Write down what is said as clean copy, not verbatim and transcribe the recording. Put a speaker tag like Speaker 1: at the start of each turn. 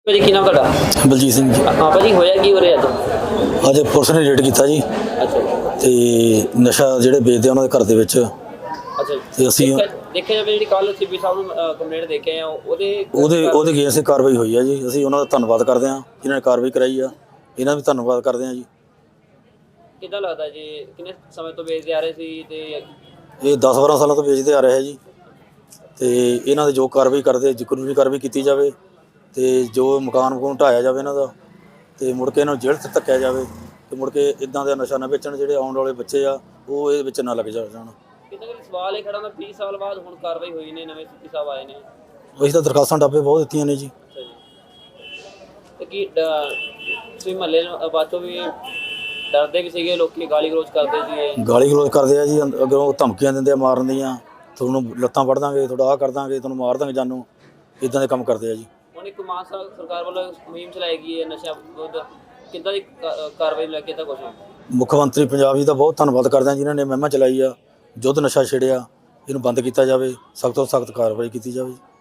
Speaker 1: ਭਾਜੀ ਕੀ ਨਾਮ ਤੁਹਾਡਾ?
Speaker 2: ਬਲਜੀਤ ਸਿੰਘ ਜੀ।
Speaker 1: ਹਾਂ ਭਾਜੀ ਹੋਇਆ ਕੀ ਹੋ ਰਿਹਾ ਅੱਜ?
Speaker 2: ਅੱਜ ਪੁਲਿਸ ਨੇ ਰੇਡ ਕੀਤਾ ਜੀ
Speaker 1: ਅੱਛਾ ਜੀ।
Speaker 2: ਤੇ ਨਸ਼ਾ ਜਿਹੜੇ ਵੇਚਦੇ ਆ ਉਹਨਾਂ ਦੇ ਘਰ ਦੇ ਵਿੱਚ
Speaker 1: ਅੱਛਾ ਜੀ।
Speaker 2: ਤੇ ਅਸੀਂ
Speaker 1: ਦੇਖਿਆ ਜਾਵੇ ਜਿਹੜੀ ਕੱਲ ਸੀਪੀ ਸਾਹਿਬ ਨੂੰ ਕੰਪਲੇਂਟ ਦੇ ਕੇ ਆਏ ਆ
Speaker 2: ਉਹਦੇ ਅਗੇਂਸਟ ਕਾਰਵਾਈ ਹੋਈ ਆ ਜੀ। ਅਸੀਂ ਉਹਨਾਂ ਦਾ ਧੰਨਵਾਦ ਕਰਦੇ ਹਾਂ ਜਿਨ੍ਹਾਂ ਨੇ ਕਾਰਵਾਈ ਕਰਾਈ ਆ। ਇਹਨਾਂ ਦਾ ਵੀ ਧੰਨਵਾਦ ਕਰਦੇ ਹਾਂ ਜੀ।
Speaker 1: ਕਿੱਦਾਂ ਲੱਗਦਾ ਜੀ ਕਿੰਨੇ ਸਮੇਂ ਤੋਂ ਵੇਚਦੇ ਆ ਰਹੇ ਸੀ ਤੇ
Speaker 2: ਇਹ 10-12 ਸਾਲਾਂ ਤੋਂ ਵੇਚਦੇ ਆ ਰਹੇ ਜੀ ਤੇ ਇਹਨਾਂ ਦੇ ਜੋ ਕਾਰਵਾਈ ਕਰਦੇ ਕਾਨੂੰਨੀ ਕਾਰਵਾਈ ਕੀਤੀ ਜਾਵੇ ਤੇ ਜੋ ਮਕਾਨ ਢਾਇਆ ਜਾਵੇ ਇਹਨਾਂ ਦਾ ਤੇ ਮੁੜ ਕੇ ਇਹਨਾਂ ਨੂੰ ਜੇਲ੍ਹ 'ਚ ਧੱਕਿਆ ਜਾਵੇ ਤੇ ਮੁੜ ਕੇ ਇੱਦਾਂ ਦਾ ਨਸ਼ਾ ਨਾ ਵੇਚਣ। ਜਿਹੜੇ ਆਉਣ ਵਾਲੇ ਬੱਚੇ ਆ ਉਹ ਇਹਦੇ ਵਿੱਚ ਨਾ ਲੱਗ ਜਾਣ।
Speaker 1: ਕਿਤੇ ਕਿ ਸਵਾਲ ਇਹ ਖੜਾ ਨਾ 20 ਸਾਲ ਬਾਅਦ ਹੁਣ ਕਾਰਵਾਈ ਹੋਈ ਨੇ, ਨਵੇਂ ਸੀਪੀ ਸਾਹਿਬ ਆਏ ਨੇ।
Speaker 2: ਅਸੀਂ ਤਾਂ ਦਰਖਾਸਤਾਂ ਡਾਬੇ ਬਹੁਤ ਦਿੱਤੀਆਂ ਨੇ ਜੀ।
Speaker 1: ਅੱਛਾ ਜੀ। ਤੇ ਕੀ ਤੁਸੀਂ ਮਹੱਲੇ ਬਾਚੋ ਵੀ ਡਰਦੇ ਵੀ ਸੀਗੇ, ਲੋਕੀ ਗਾਲੀ ਗਲੋਚ ਕਰਦੇ ਸੀਗੇ?
Speaker 2: ਗਾਲੀ ਗਲੋਚ ਕਰਦੇ ਆ ਜੀ, ਅੱਗੋਂ ਧਮਕੀਆਂ ਦਿੰਦੇ ਆ ਮਾਰਨ ਦੀਆਂ। ਤੁਹਾਨੂੰ ਲੱਤਾਂ ਵੱਢ ਦਾਂਗੇ, ਤੁਹਾਡਾ ਆਹ ਕਰ ਦਾਂਗੇ, ਤੁਹਾਨੂੰ ਮਾਰ ਦਾਂਗੇ ਜਾਨੋਂ। ਇੱਦਾਂ ਦੇ ਕੰਮ ਕਰਦੇ ਆ ਜੀ।
Speaker 1: ਹੁਣ ਇੱਕ ਮਾਨ ਸਰਕਾਰ ਵੱਲੋਂ ਮੁਹਿੰਮ ਚਲਾਈ ਗਈ ਹੈ ਨਸ਼ਾ ਵਿਰੁੱਧ, ਕਿੱਦਾਂ ਦੀ ਕਾਰਵਾਈ ਲੈ ਕੇ ਤਾਂ ਕੁਛ?
Speaker 2: ਮੁੱਖ ਮੰਤਰੀ ਪੰਜਾਬ ਜੀ ਦਾ ਬਹੁਤ ਧੰਨਵਾਦ ਕਰਦੇ ਹਾਂ ਜਿਨ੍ਹਾਂ ਨੇ ਮੁਹਿੰਮ ਚਲਾਈ ਆ। ਯੁੱਧ ਨਸ਼ਾ ਛੇੜਿਆ, ਇਹਨੂੰ ਬੰਦ ਕੀਤਾ ਜਾਵੇ, ਸਖਤ ਤੋਂ ਸਖਤ ਕਾਰਵਾਈ ਕੀਤੀ ਜਾਵੇ।